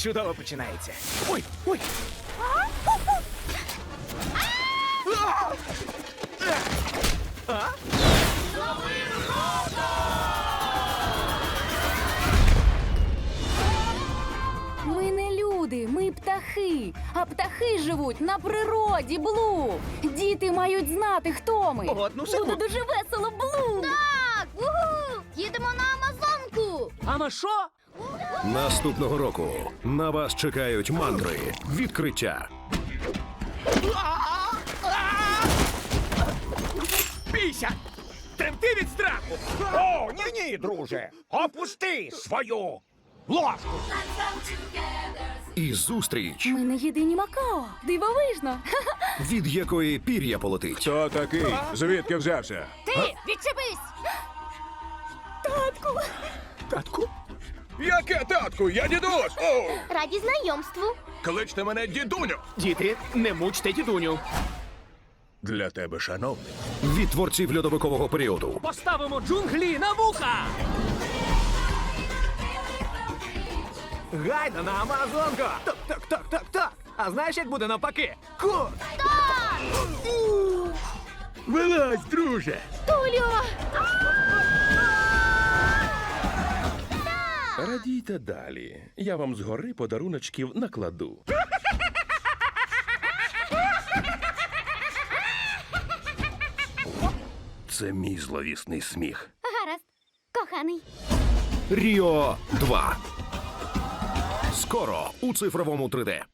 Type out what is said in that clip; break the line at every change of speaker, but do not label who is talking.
чудово починається. Ой, ой.
Ми не люди, ми птахи. А птахи живуть на природі, Блу. Діти мають знати, хто ми.
Одну секунду.
Буде дуже весело, Блу.
Так! Угу! Їдемо на Амазонку!
Ама що?
Наступного року на вас чекають мандри, відкриття,
Бійся! Тремти від страху!
О, ні, друже! Опусти свою ложку!
і зустріч,
Ми не єдині Макао. Дивовижно.
від якої пір'я полетить.
Хто такий? Звідки взявся?
Ти! Відчепись!
Татку? Яке татку? Я дідусь! О!
Раді знайомству!
Кличте мене дідуню!
Діти, не мучте дідуню.
Для тебе, шановний.
Від творців льодовикового періоду.
Поставимо джунглі на вуха! Гайда на Амазонку! Так. А знаєш, як буде навпаки?
Вилазь, друже!
Тулю!
Радійте далі. Я вам згори подаруночків накладу. Це мій зловісний сміх.
Гаразд, коханий.
Ріо 2. Скоро у цифровому 3D.